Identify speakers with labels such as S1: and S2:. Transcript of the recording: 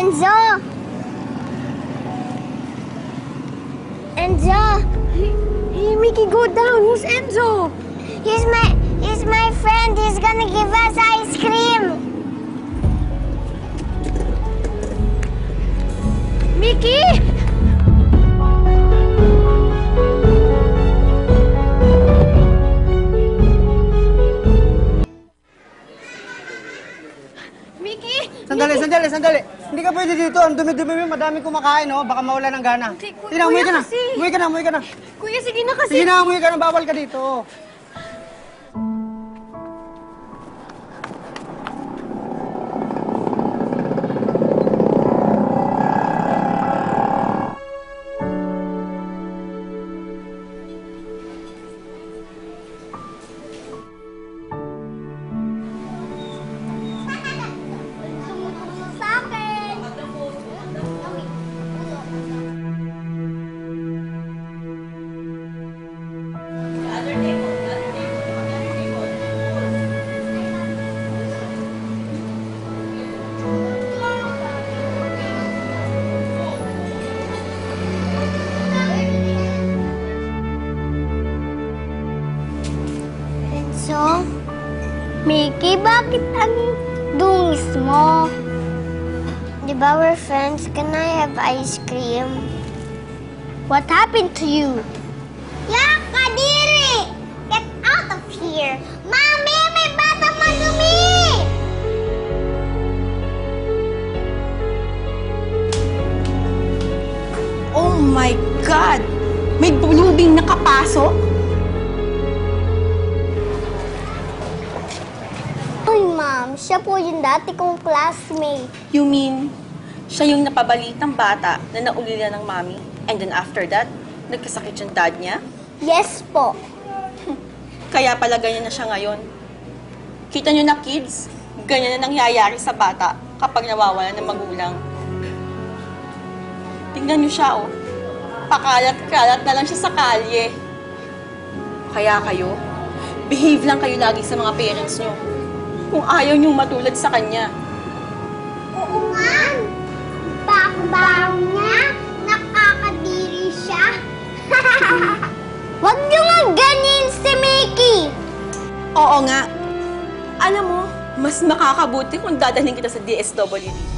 S1: Enzo! Enzo!
S2: Hey, Mickey, go down. Who's Enzo?
S1: He's my friend. He's gonna give us ice cream.
S2: Mickey! Mickey!
S3: Sandali. Hindi ka pwede dito. Ang dumi-dumi mo, madaming kumakain, oh. Baka mawala ng gana.
S2: Hindi,
S3: Sige na, umuwi ka na.
S2: kasi.
S3: Umuwi ka na.
S2: Kuya, sige na kasi.
S3: Sige na, umuwi ka na. Bawal ka dito.
S1: Sa akin. Enzo? Mickey, bakit ang dungis mo? Di ba we're friends? Can I have ice cream? What happened to you? Yak, Kadiri! Get out of here! Mami, may batang madumi!
S4: Oh my God! May bulubing nakapasok?
S1: Uy, ma'am, siya po yung dati kong classmate.
S4: You mean, siya yung napabalitang bata na naulila ng mami? And then after that, nagkasakit yung dad niya?
S1: Yes po.
S4: Kaya pala ganyan na siya ngayon. Kita niyo na kids, ganyan na nangyayari sa bata kapag nawawala ng magulang. Tingnan niyo siya, oh. Pakalat-kalat na lang siya sa kalye. Kaya kayo, behave lang kayo lagi sa mga parents niyo. Kung ayaw niyong matulad sa kanya.
S1: Oo nga. Bakbang niya. Nakakadiri siya. Huwag niyo nga ganyan si Mickey.
S4: Oo nga. Alam mo, mas makakabuti kung dadalhin kita sa DSWD.